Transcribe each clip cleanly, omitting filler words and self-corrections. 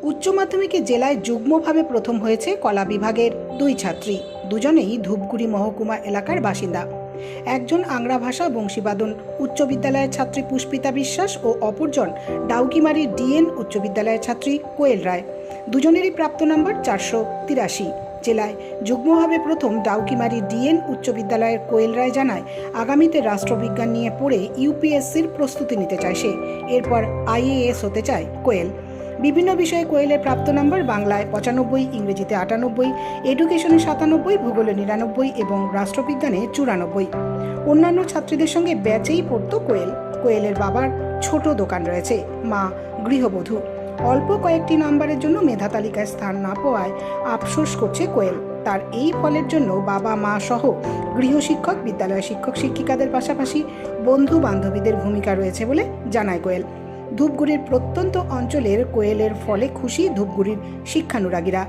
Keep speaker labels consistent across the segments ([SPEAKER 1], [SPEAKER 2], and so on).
[SPEAKER 1] উচ্চ মাধ্যমিকে জেলায় যুগ্মভাবে প্রথম হয়েছে কলা বিভাগের দুই ছাত্রী। দুজনেই ধূপগুড়ি মহকুমা এলাকার বাসিন্দা। একজন আংরা ভাষা বংশীবাদন উচ্চ বিদ্যালয়ের ছাত্রী পুষ্পিতা বিশ্বাস ও অপরজন ডাউকিমারির ডিএন উচ্চ বিদ্যালয়ের ছাত্রী কোয়েল রায়। দুজনেরই প্রাপ্ত নম্বর 483। জেলায় যুগ্মভাবে প্রথম ডাউকিমারি ডিএন উচ্চ বিদ্যালয়ের কোয়েল রায় জানায়, আগামীতে রাষ্ট্রবিজ্ঞান নিয়ে পড়ে ইউপিএসসির প্রস্তুতি নিতে চায় সে। এরপর আইএএস হতে চায় কোয়েল। বিভিন্ন বিষয়ে কোয়েলের প্রাপ্ত নম্বর বাংলায় 95, ইংরেজিতে 98, এডুকেশনে 97, ভূগোলে 99 এবং রাষ্ট্রবিজ্ঞানে 94। অন্যান্য ছাত্রীদের সঙ্গে ব্যাচেই পড়তো কোয়েল। কোয়েলের বাবার ছোট দোকান রয়েছে, মা গৃহবধূ। অল্প কয়েকটি নম্বরের জন্য মেধা তালিকায় স্থান না পাওয়ায় আফসোস করছে কোয়েল। তার এই ফলের জন্য বাবা মা সহ গৃহশিক্ষক, বিদ্যালয় শিক্ষক শিক্ষিকাদের পাশাপাশি বন্ধু বান্ধবীদের ভূমিকা রয়েছে বলে জানায় কোয়েল। ধূপগুড়ির প্রত্যন্ত অঞ্চলের কোয়েলের ফলে খুশি ধূপগুড়ির শিক্ষানুরাগীরা।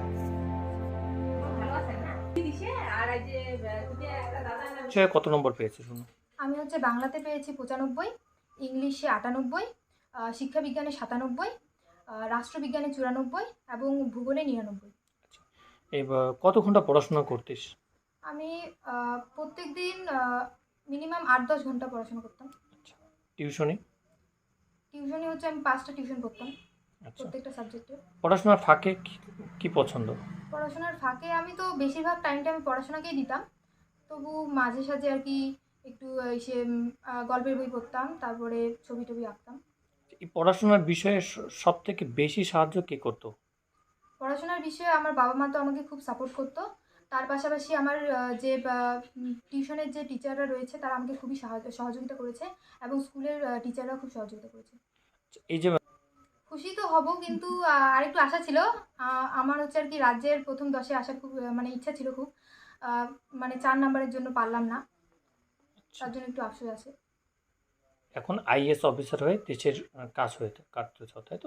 [SPEAKER 2] কত নম্বর পেয়েছে শুনুন?
[SPEAKER 3] আমি বাংলাতে পেয়েছি 95, ইংলিশে 98, শিক্ষাবিজ্ঞানে 97, রাষ্ট্রবিজ্ঞানে 94 এবং ভূগোলে 99।
[SPEAKER 2] এবার কত ঘন্টা পড়াশোনা করতিস?
[SPEAKER 3] আমি প্রত্যেক দিন মিনিমাম 8-10 ঘন্টা পড়াশোনা করতাম।
[SPEAKER 2] টিউশনি
[SPEAKER 3] আমি 5টা টিউশন করতাম প্রত্যেকটা সাবজেক্টে।
[SPEAKER 2] পড়াশোনার ফাঁকে কি পছন্দ?
[SPEAKER 3] পড়াশোনার ফাঁকে আমি তো বেশিরভাগ টাইমটা আমি পড়াশোনাকেই দিতাম, তবু মাঝে সাঝে আর কি একটু এসে গল্পের বই পড়তাম, তারপরে ছবি টবি আঁকতাম।
[SPEAKER 2] এই পড়াশোনার বিষয়ে সব থেকে বেশি সাহায্য কে করতো?
[SPEAKER 3] পড়াশোনার বিষয়ে আমার বাবা মা তো আমাকে খুব সাপোর্ট করতো। তার পাশাপাশি আমার যে টিউশনের যে টিচাররা রয়েছে তারা আমাকে খুবই সহযোগিতা করেছে এবং স্কুলের টিচাররা খুব সহযোগিতা করেছে।
[SPEAKER 2] এই যে
[SPEAKER 3] খুশি তো হব, কিন্তু আরেকটু আশা ছিল। আমার আর কি রাজ্যের প্রথম 10-এ আসার খুব ইচ্ছা ছিল খুব, 4 নম্বরের জন্য পারলাম না, তার জন্য একটু আফসোস আছে।
[SPEAKER 2] এখন আইএস অফিসার হয়ে দেশের কাজ কাটতে চাও, তাই তো?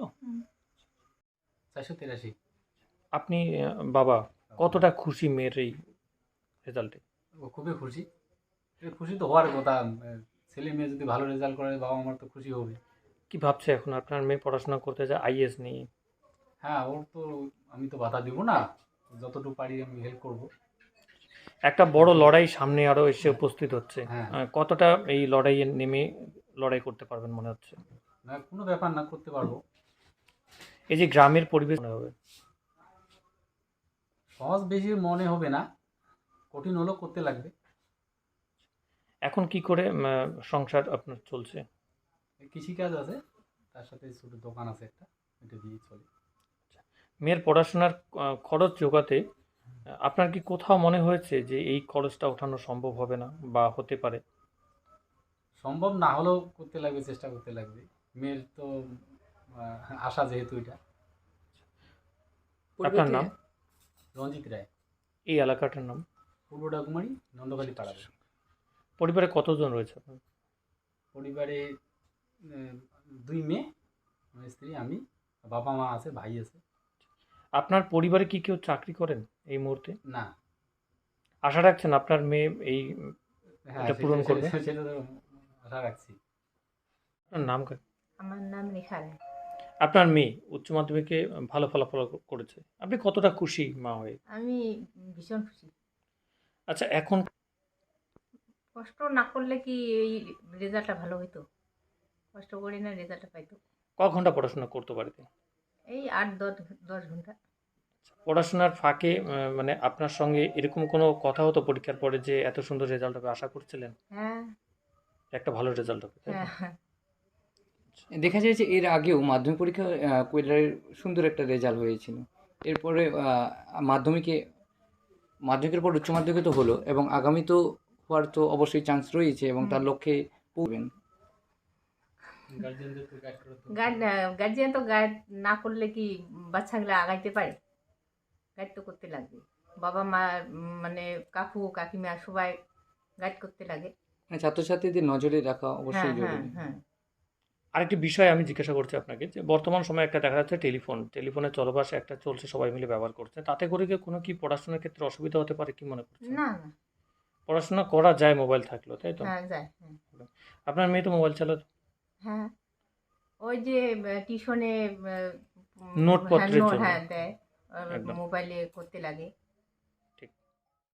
[SPEAKER 4] 483।
[SPEAKER 2] আপনি বাবা কতটা খুশি মেয়ের এই রেজাল্টে?
[SPEAKER 4] খুবই খুশি। খুশি তো হওয়ার কথা। ছেলে মেয়ে যদি ভালো রেজাল্ট করে বাবা আমার তো খুশি হবে।
[SPEAKER 2] কি ভাবছে এখন আপনার মেয়ে পড়াশোনা করতে যায় আইএস নিয়ে?
[SPEAKER 4] হ্যাঁ, ওর তো আমি তো বাধা দিব না, যতটুকু পারি আমি হেল্প করব।
[SPEAKER 2] একটা বড় লড়াই সামনে আরো এসে উপস্থিত হচ্ছে।
[SPEAKER 4] হ্যাঁ।
[SPEAKER 2] কতটা এই লড়াইয়ে নেমে লড়াই করতে পারবেন মনে হচ্ছে?
[SPEAKER 4] না, কোনো ব্যাপার না, করতে পারবো।
[SPEAKER 2] এই যে গ্রামের পরিবেশ মনে হবে
[SPEAKER 4] সহজ বেশি মনে হবে না, কঠিন হলেও করতে লাগবে।
[SPEAKER 2] এখন কি করে সংসার আপনার চলছে?
[SPEAKER 4] কৃষিকাজ আছে, তার সাথে ছোট দোকান আছে একটা, এটা দিয়ে চলে।
[SPEAKER 2] মেয়ের পড়াশোনার খরচ জোগাতে আপনার কি কোথাও মনে হয়েছে যে এই খরচটা ওঠানো সম্ভব হবে না বা হতে পারে?
[SPEAKER 4] সম্ভব না হলেও করতে লাগবে, চেষ্টা করতে লাগবে। মেয়ের তো আশা যেহেতু এটা।
[SPEAKER 2] আপনার নাম?
[SPEAKER 4] রঞ্জিত রায়।
[SPEAKER 2] এই এলাকাটার নাম?
[SPEAKER 4] পূর্ব ডাকুমারি, নন্দখালি পাড়া।
[SPEAKER 2] পরিবারে কতজন রয়েছে আপনার?
[SPEAKER 4] পরিবারে 2 মেয়ে, আমার স্ত্রী, আমি, বাবা মা আছে, ভাই আছে।
[SPEAKER 2] আপনার পরিবারে কি কেউ চাকরি করেন এই মুহূর্তে?
[SPEAKER 4] না।
[SPEAKER 2] আশা রাখছেন আপনার মেয়ে এই এটা পূরণ করবে?
[SPEAKER 4] সেটা তো আশা রাখছি।
[SPEAKER 2] আপনার নাম?
[SPEAKER 5] আমার নাম রেখা রায়।
[SPEAKER 2] আপনার মেয়ে উচ্চ মাধ্যমিকে ভালো ফলাফল করেছে, আপনি কতটা খুশি মা হয়ে?
[SPEAKER 5] আমি ভীষণ খুশি।
[SPEAKER 2] আচ্ছা, এখন
[SPEAKER 5] কষ্ট না করলে কি এই রেজাল্টটা ভালো হইতো? কষ্ট করি না, রেজাল্টটা পাইতো।
[SPEAKER 2] ক ঘন্টা পড়াশোনা করতে বাড়িতে?
[SPEAKER 5] এই 8-10 ঘন্টা।
[SPEAKER 2] পড়াশোনার ফাঁকে মানে আপনার সঙ্গে এরকম কোনো কথা হতো পরীক্ষার পরে যে এত সুন্দর রেজাল্ট হবে, আশা করছিলেন
[SPEAKER 5] হ্যাঁ,
[SPEAKER 2] একটা ভালো রেজাল্ট হবে?
[SPEAKER 5] হ্যাঁ।
[SPEAKER 6] দেখা যায় যে এর আগেও মাধ্যমিক পরীক্ষা কোয়েলের সুন্দর একটা রেজাল্ট হয়েছিল। এরপরে মাধ্যমিকের পর উচ্চ মাধ্যমিকে তো হলো, এবং আগামী তো হওয়ার তো অবশ্যই চান্স রয়েছে, এবং তার লক্ষ্যে পড়বেন।
[SPEAKER 5] গার্জিয়ান তো গাইড না করলে কি বাচ্চাগুলো আগাইতে পারে? গাইড তো করতে লাগবে। বাবা মা কাকু কাকিমা সবাই গাইড করতে লাগে।
[SPEAKER 6] মানে ছাত্রছাত্রীদের নজরে রাখা
[SPEAKER 5] হ্যাঁ,
[SPEAKER 6] অবশ্যই
[SPEAKER 5] হ্যাঁ,
[SPEAKER 6] জরুরি।
[SPEAKER 5] হ্যাঁ।
[SPEAKER 2] আরেকটি বিষয় আমি জিজ্ঞাসা করছি আপনাকে, যে বর্তমান সময়ে একটা দেখা যাচ্ছে টেলিফোনের চলবাস একটা চলছে, সবাই মিলে ব্যবহার করছে, তাতে করে কি কোনো কি পড়াশোনার ক্ষেত্রে অসুবিধা হতে পারে কি মনে করছেন?
[SPEAKER 5] না, না।
[SPEAKER 2] পড়াশোনা করা যায় মোবাইল থাকলো, তাই তো?
[SPEAKER 5] হ্যাঁ, যায়। হ্যাঁ,
[SPEAKER 2] আপনার মেয়ে তো মোবাইল চালাতো?
[SPEAKER 5] হ্যাঁ। ওই যে টিউশনে
[SPEAKER 2] নোটপত্রের জন্য।
[SPEAKER 5] হ্যাঁ দেয়, আর
[SPEAKER 2] একদম।
[SPEAKER 5] মোবাইলে করতে লাগে।